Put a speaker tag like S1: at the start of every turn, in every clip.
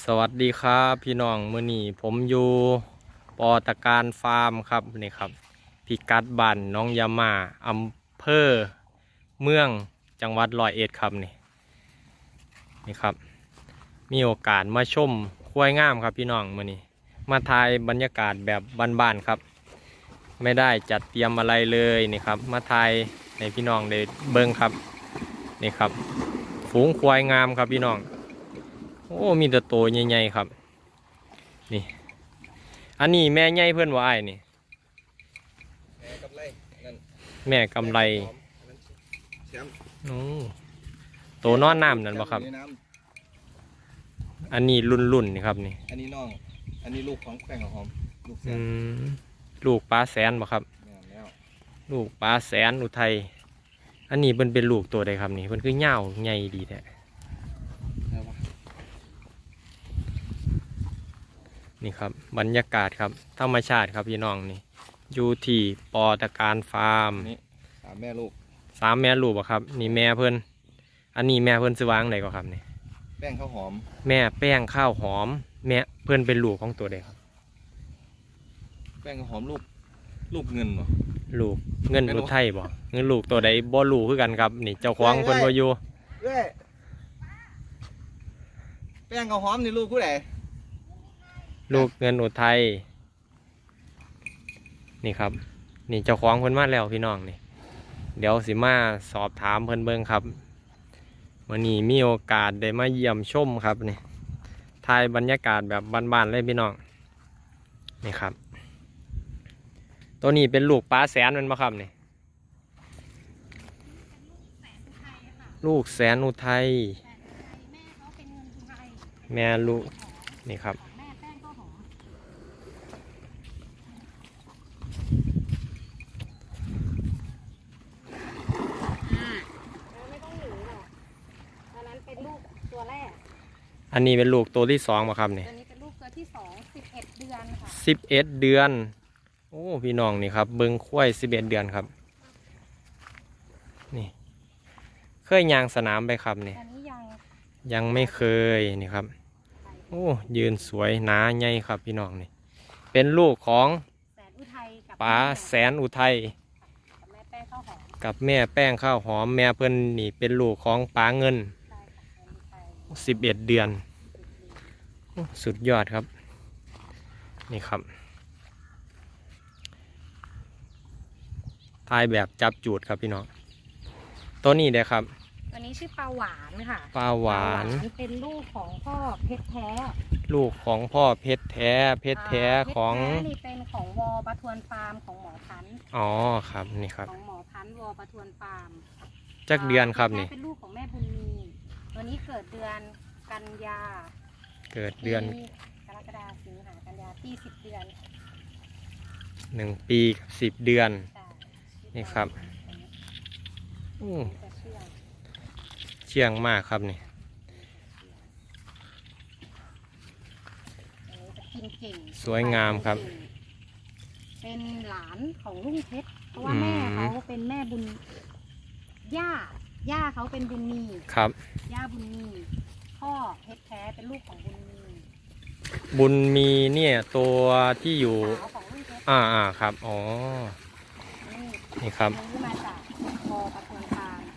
S1: สวัสดีครับพี่น้องมื้อนี้ผมอยู่ปอตะการฟาร์มครับนี่ครับพิกัดบ้านน้องยามาอำเภอเมืองจังหวัดร้อยเอ็ดครับนี่ครับมีโอกาสมาชมควายงามครับพี่น้องมื้อนี้มาถ่ายบรรยากาศแบบบ้านๆครับไม่ได้จัดเตรียมอะไรเลยนี่ครับมาถ่ายในพี่น้องได้เบิ่งครับนี่ครับฝูงควายงามครับพี่น้องโอ้มีแต่โตใหญ่ๆครับนี่อันนี้แม่ใหญ่เพื่อนว่าไอ้นี่
S2: แม่กำไรนั่น
S1: แม่กำไร
S2: แชมป์
S1: โอ้โตนอนน้ำนั่นบ่ครับอันนี้รุ่นนี่ครับนี่
S2: อันนี้น้องอันนี้ลูกของแป้งกับหอมลูกแสน
S1: ลูกปลาแสนบ่ครับ
S2: แล้ว
S1: ลูกปลาแสนอุทัยอันนี้เป็นลูกตัวใดครับนี่เพิ่นคือเหย้าใหญ่ดีแท้นี่ครับบรรยากาศครับธรรมชาติครับพี่น้องนี่อยู่ที่ปอตะการฟาร์ม
S2: นี่สามแม่ลูก
S1: 3 แม่ลูกบ่ครับนี่แม่เพิ่นอันนี้แม่เพิ่นซื้อวางไหนก็ครับนี่
S2: แป้งข้าวหอม
S1: แม่แป้งข้าวหอมแม่เพิ่นเป็นลูกของตัวใดครับ
S2: แป้งข้าวหอมลูกเงินเหรอ
S1: ลูกเงินอุทัยบ่เงินลูกตัวใดบ่ลูกคือกันครับนี่เจ้าของเพิ่นบ่อยู่
S2: แป้งข้าวหอมนี่ลูกผู้ใด
S1: ลูกเงินอุทัยนี่ครับนี่เจ้าของเพิ่นมาแล้วพี่น้องนี่เดี๋ยวสิมาสอบถามเพิ่นเบิ่งครับวันนี้มีโอกาสได้มาเยี่ยมชมครับนี่ถ่ายบรรยากาศแบบบ้านๆเลยพี่น้องนี่ครับตัวนี้เป็นลูกปลาแสนมันมาครับนี่ลูกแสนอุทัยแม่ลูกนี่ครับอันนี้เป็นลูกตัวที่2มาครับนี่
S3: ตัวนี้เป็นลูกตัวที่2 11 เดือนค่ะ
S1: 11 เดือนโอ้พี่น้องนี่ครับเบิ้งควาย11 เดือนครับนี่เคยยางสนามไปครับนี่
S3: อันนี้
S1: ยังไม่เคยนี่ครับโอ้ยืนสวยหนาใหญ่ครับพี่น้องนี่เป็นลูกของป๋าแสนอุทัยกับแม่แป้งข้าวหอมแม่เพิ่นนี่เป็นลูกของป๋าเงิน11 เดือนสุดยอดครับนี่ครับถ่ายแบบจับจูดครับพี่น้องตัวนี้เด้ครับ
S3: ตัวนี้ชื่อปลาหวานค่ะ
S1: ปลาหวาน
S3: เป็นลูกของพ่อเพชรแท้
S1: ลูกของพ่อเพชรแท้ของ
S3: นี่เป็นของวอประทวนฟาร์มของหมอพันธุ์
S1: อ๋อครับนี่ครับ
S3: ของหมอพันธุ์วอประทวนฟาร์ม
S1: จักเดือนครับนี่
S3: เป็นลูกของแม่บุญมีตัวนี้เกิดเดือนกันยา
S1: เกิดเดือน
S3: กรกฎาคมสิงหากันยาปี10 เดือน
S1: 1 ปีกับ10 เดือนนี่ครับเชื่องมากครับนี่สวยงามครับ
S3: เป็นหลานของลุงเพชรเพราะว่าแม่เขาเป็นแม่บุญย่าเขาเป็นบุญมี
S1: ครับ
S3: ย่าบุญมีพ่อเพชรแท้เป็นลูกของบุญมี
S1: เนี่ยตัวที่อยู่ครับอ๋อนี่ครับ
S3: มาจากพอประทวนฟาร์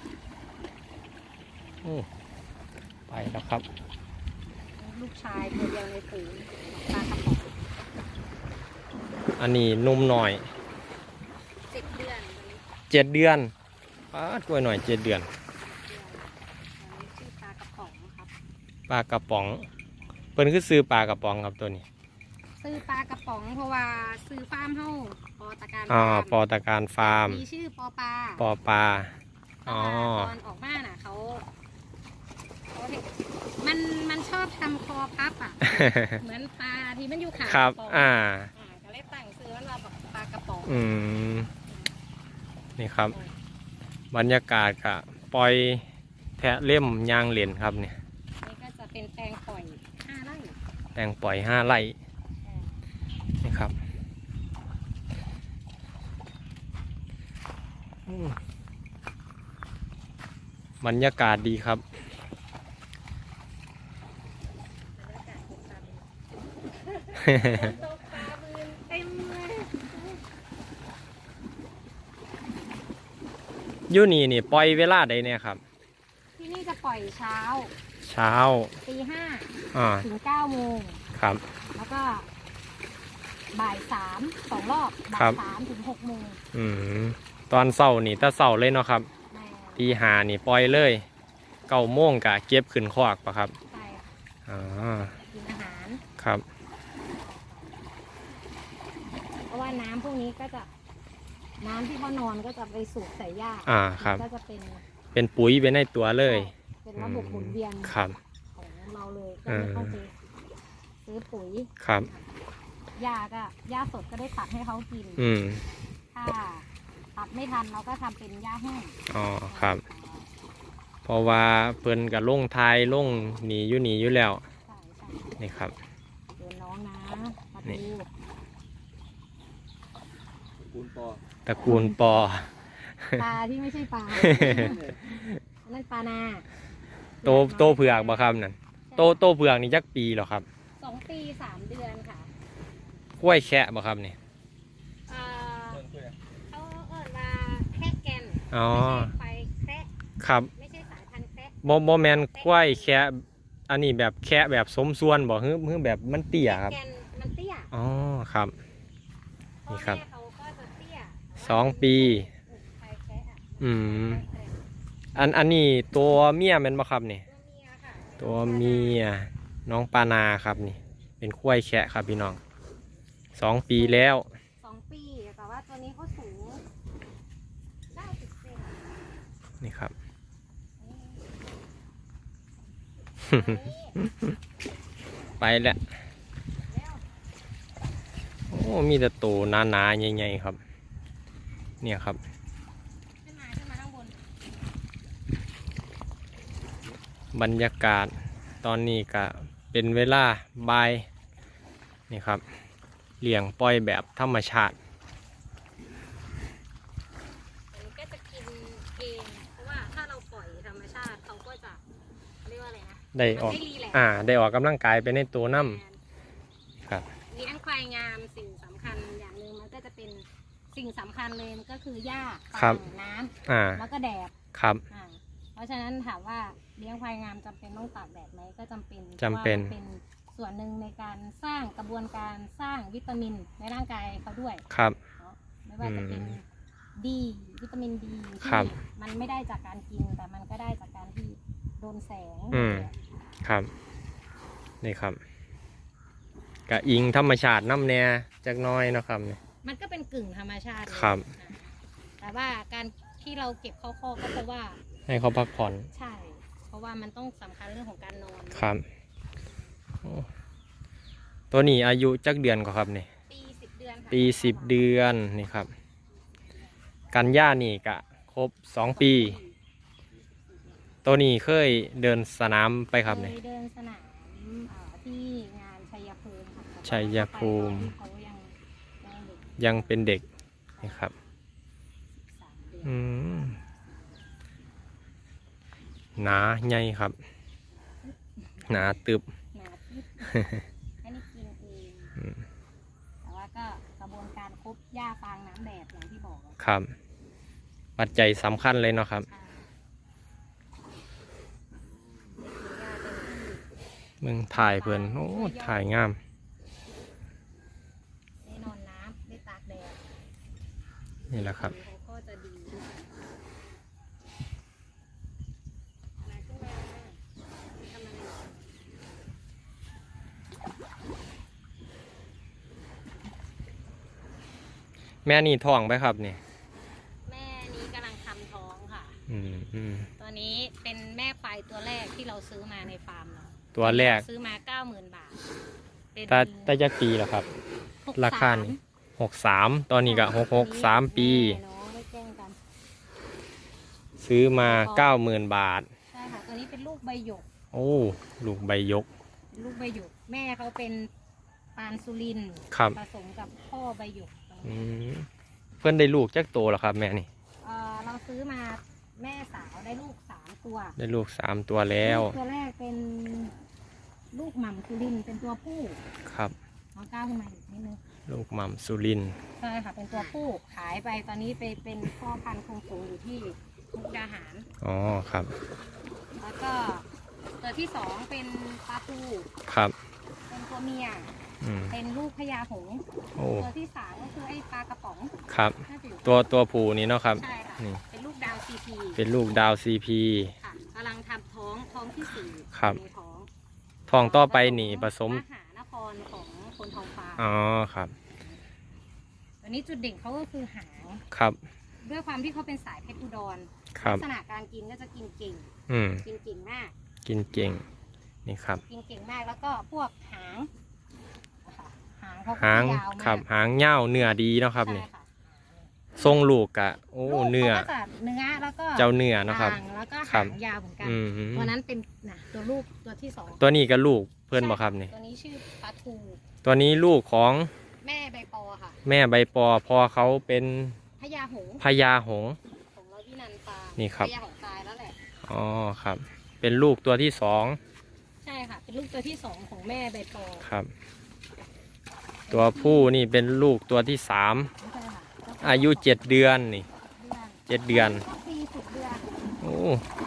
S3: ม
S1: ไปแล้วครับ
S3: ลูกชายตัวเดียวในฝูงปลากระป๋อง
S1: อันนี้นุ่มหน่อย
S3: 7 เดือน
S1: 7 เดือนป้ากล้วยหน่อย7 เดือน
S3: ชื่อปลากระป๋องครับ
S1: ปลากระป๋องเพิ่นคือซื้อปลากระป๋องครับตัวนี้
S3: ซื้อปลากระป๋องเพราะว่าซื้อฟาร์มเฮาปอตะการ
S1: ปอตะการฟาร์ม
S3: มีชื่อปอปลา
S1: ต
S3: อนออกมาน่ะเขามันชอบทำคอพับอ่ะ เหมือนปลาที่มันอยู่ขา
S1: ครับ
S3: ก็เลยตั้งซื้อว่าเราปลากระป๋อง
S1: นี่ครับบรรยากาศค่ะปล่อยแทะเล่มยางเหรียญครับเนี่ย
S3: นี่ก็จะเป็นแตงปล่อย5 ไร่
S1: แตงปล่อย5 ไร่นี่ครับบรรยากาศดีครับ
S3: ตกปลาบืนเต็มเลย
S1: อยู่นี่ปล่อยเวลาใดเนี่ยครับ
S3: ที่นี่จะปล่อยเช้า
S1: เช้า
S3: ตีห้า
S1: อ่า
S3: ถึง9 โมง
S1: ครับ
S3: แล้วก็บ่าย3 2 รอบบ่า
S1: ครั
S3: ย
S1: บ
S3: 3 ถึง 6 โมง
S1: อืมตอนเช้านี่ถ้าเช้าเลยเนาะครับ
S3: แม่
S1: ตีห้านี่ปล่อยเลย9 โมงกะเก็บขึ้นคอกปะครับ
S3: ใช่ค่ะ
S1: อ่า
S3: กินอาหาร
S1: ครับ
S3: เพราะว่าน้ำพวกนี้ก็จะน้ำที่เขานอนก็จะไปสูบใส่หญ้า
S1: ครับ
S3: ก็จะเป็น
S1: เป็นปุ๋ยไปในตัวเลย
S3: เป็นระบบหมุนเวียน
S1: ครับ
S3: ของเราเลยก็ไม่ต้องไปซื้อปุ๋ย
S1: ครับ
S3: หญ้าก็หญ้าสดก็ได้ตัดให้เขากิน
S1: อืม
S3: ถ้าตัดไม่ทันเราก็ทำเป็นหญ้าแห้ง
S1: อ๋อครับ เพราะว่าเพิ่นกับลงทายลงหนีอยู่แล้ว
S3: ใช่ใช่
S1: นี่ครับ
S3: เดินน้องนะมา
S1: นี่
S3: ดู
S2: คูณปอ
S1: ตระกูลปอ
S3: ปลาที่ไม่ใช่ปลาอันนั่นปลานา
S1: โตเผือกบ่ครับนั่นโตเผือกนี่จักปีเหรอครับ
S3: 2 ปี 3 เดือนค่ะ
S1: กล้วยแคะบ่ครับนี่
S3: เอ่อ
S2: เพิ่งคุยอะ
S3: เขาเอิ้นว่าแคระแกน
S1: อ๋อ
S3: ไม่ใช่ไฟแคระ
S1: ครับ
S3: ไม่ใช่สายพันธุ์แคระ
S1: บ่แมนกล้วยแคะอันนี้แบบแคะแบบสมส่วนบ่ฮึแบบมันเตี้ยครับ
S3: แกนมันเตี้ย
S1: อ๋อครับ
S3: พ่อ
S1: นี่ครับ
S3: แม่เขาก็จะเตี้ย
S1: 2 ปี
S3: ไฟแคระอะ
S1: อืมอันนี้ตัวเมียแม่นบ่ครับนี่
S3: ตัวเมียค่ะ
S1: ตัวเมียน้องปานาครับนี่ เป็นกล้วยแคะครับพี่น้อง2 ปีแล้ว
S3: 2 ปีแต่ว่าตัวนี้เขาสูง90 เซน
S1: นี่ครับ ไปแล้ว
S3: แล้ว
S1: โอ้มีแต่ตัวหนาๆใหญ่ๆครับ เนี่ยครับ
S3: ขึ้นมาข้างบน
S1: บรรยากาศตอนนี้ก็เป็นเวลาบ่ายนี่ครับเลี้ยงปล่อยแบบธรรมชาติ
S3: มันก็จะกินเองเพราะว่าถ้าเราปล่อยธรรมชาติเขาก็จะเรียกว่าอะไรนะ
S1: ได้ออก
S3: มันไม่รีแลกซ์
S1: ได้ออกกำลังกายไปในตัวน้ำครับ
S3: เลี้ยงควายงามสิ่งสำคัญอย่างหนึ่งมันก็จะเป็นสิ่งสำคัญเลยมันก็คือหญ้า
S1: ครับ
S3: ฟางน้ำ
S1: อ่า
S3: แล้วก็แดด
S1: ครับ
S3: เพราะฉะนั้นถามว่าเลี้ยงควายงามจำเป็นต้องตากแดดไหมก็จำเป็น
S1: จำเป็น
S3: พราะว่ามันเป็นส่วนหนึ่งในการสร้างกระบวนการสร้างวิตามินในร่างกายเขาด้วย
S1: ครับ
S3: เนาะไม่ว่าจะเป็นดีวิตามินดี
S1: ครั
S3: ที่
S1: บ
S3: มันไม่ได้จากการกิน แต่มันก็ได้จากการที่โดนแสง
S1: อืม ครับ นี่ครับกะอิงธรรมชาติน้ำแน่จักหน้อยเนาะครับนี่
S3: มันก็เป็นกึ่งธรรมชาติเลย
S1: ครับ
S3: แต่ว่าการที่เราเก็บเข้าคอกก็เพราะว่า
S1: ให้เขาพักผ่อน
S3: ใช่ เพราะว่ามันต้องสำคัญเรื่องของการนอน
S1: ครับโอ้ตัวนี้อายุจักเดือนก็ครับนี่
S3: ปี10 เดือนค่ะ
S1: ปี10 เดือนนี่ครับ กันย่านี่กะครบ2 ปี ตัวนี้เคยเดินสนามไปครับนี่
S3: เคยเดินสนามที่งานชัยภูมิค่ะ
S1: ชัยภูมิ
S3: เขายังเด็ก
S1: ยังเป็นเด็กนี่ครับ
S3: 3 เดือน
S1: อืมหนาใหญ่ครับ หนาตึบ
S3: หนาพิษอันนี้กินเอง
S1: อืม
S3: แต่ว่าก็กระบวนการครบหญ้าฟางน้ำแดดอย่างที่บอกอะ
S1: ครับ ปัจจัยสำคัญเลยเนาะครับ
S3: ใช่ได้กินหญ้าเต็มที่
S1: มึงถ่ายเพื่อนโอ้ถ่ายงาม
S3: ได้นอนน้ำได้ตากแดด
S1: นี่แหละครับ
S3: เขาก็จะดีมาขึ้นมาทำอะไร
S1: แม่นี่ท้องไปครับนี่
S3: แม่นี้กำลังทำท้องค่ะ
S1: อืม
S3: ตัวนี้เป็นแม่ควายตัวแรกที่เราซื้อมาในฟาร์มเนาะ
S1: ตัวแรก
S3: ซื้อมา 90,000 บาทเป็น
S1: ตาจักปีแล้วครับ
S3: 63
S1: ราคานี่63 ตอนนี้ก็63 ปี
S3: แม่น้องได้แกล้งกัน
S1: ซื้อมา 90,000 บาท
S3: ใช่ค่ะ ตัวนี้เป็นลูกใบหยก
S1: โอ้ ลูกใบยก
S3: เป็นลูกใบหยก แม่เขาเป็นปานสุรินทร์
S1: ครับ
S3: ผสมกับพ่อใบหยก
S1: อืมเพื่อนได้ลูกจักโตแล้วครับแม่นี่
S3: เราซื้อมาแม่สาวได้ลูก3 ตัว
S1: ได้ลูก 3 ตัวแล้ว
S3: ลูกตัวแรกเป็นลูกหม่ำสุรินทร์เป็นตัวผู้
S1: ครับ
S3: น้องก้าวขึ้นมาอีกนิดนึง
S1: ลูกหม่ำสุรินทร์
S3: ใช่ค่ะเป็นตัวผู้ขายไปตอนนี้ไปเป็นพ่อพันธุ์คงสูงอยู่ที่มุกดาหาร
S1: อ๋อครับ
S3: แล้วก็ตัวที่สองเป็นปลาปู
S1: ครับ
S3: เป็นตัวเมีย
S1: อืม
S3: เป็นลูกพญาหงส์
S1: โอ้
S3: ตัวที่สามก็คือไอ้ปลากระป๋อง
S1: ครับ
S3: น่าจะอยู่
S1: ตัวผู้นี่เนาะครับ
S3: ใช่ค่ะ
S1: นี่
S3: เป็นลูกดาวซีพี
S1: เป็นลูกดาวซีพี
S3: ค่ะกำลังทำท้องที่สี่
S1: ครับ
S3: ในท้อง
S1: ทองต่อไปนี่ผสม
S3: มหานครของคนทองฟ้า
S1: อ๋อครับ
S3: ตัวนี้จุดเด่นเขาก็คือหาง
S1: ครับ
S3: ด้วยความที่เขาเป็นสายเพชรอุดร
S1: ครับ
S3: ลักษณะการกินก็จะกินเก่ง
S1: อืม
S3: กินเก่งมาก
S1: กินเก่งนี่ครับ
S3: กินเก่งมากแล้วก็พวกหางนะคะหางเขาก็
S1: หาง
S3: จะยาวมาก
S1: ครับหางเง่าเนื้อดีเนาะครับ
S3: ใช่
S1: นี่
S3: ค่ะ
S1: ทรงลูกกะโอ้
S3: ลูก
S1: เนื้อ
S3: ขาก็จะเนื้อแล้วก็
S1: เจ้าเนื้อเนาะครับ
S3: หางแล้วก็
S1: ครั
S3: หา
S1: บ
S3: งยาวเหมือนกัน
S1: อืม
S3: ตัวนั้นเป็นนะตัวลูกตัวที่สอง
S1: ตัวนี้ก็ลูกเพื่อนบ่ครับนี่
S3: ตัวนี้ชื่อปลาทู
S1: ตัวนี้ลูกของ
S3: แม่ใบปอค่ะ
S1: แม่ใบปอพอเขาเป็น
S3: พญาหงส์
S1: พญาหงส์
S3: ของเราที่นันปลา
S1: นี่ครับ
S3: พญาหงส์ตายแล้วแหละ
S1: อ๋อครับ เป็นลูกตัวที่สอง
S3: ใช่ค่ะ เป็นลูกตัวที่สองของแม่ใบปอ
S1: ครับ ตัวผู้นี่เป็นลูกตัวที่สาม
S3: ใช่ค่ะ
S1: อายุ7 เดือนนี่ 7 เดือน
S3: ปี10 เดือน
S1: โอ้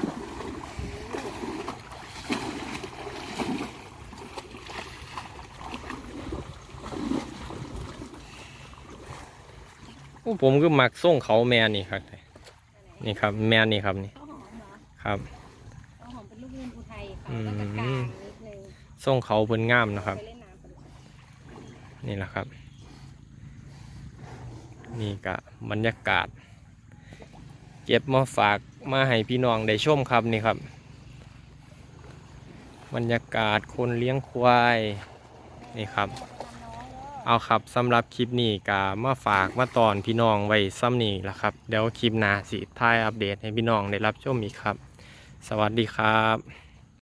S1: โอ้ผมก็มักส่งเขาแม่นี่ครับนี่ครับ แม่นี่ครับนี่
S3: ข้าวหอมเหรอ
S1: ครับ
S3: ข้าวหอมเป็นลูกเงินอุทัยเขาก็จะกลางนิดนึง
S1: ส่งเขาเพิ่นงามนะครับ
S3: ไปเล่นน้ำกัน
S1: นี่แหละครับ นี่ก็บรรยากาศ เก็บมาฝากมาให้พี่น้องได้ชมครับนี่ครับ บรรยากาศคนเลี้ยงควายนี่ครับ เอาครับสำหรับคลิปนี้ก็มาฝากมาตอนพี่น้องไว้ซ้ำนี่แหละครับ เดี๋ยวคลิปหน้าสิท้ายอัปเดตให้พี่น้องได้รับชมอีกครับ สวัสดีครับ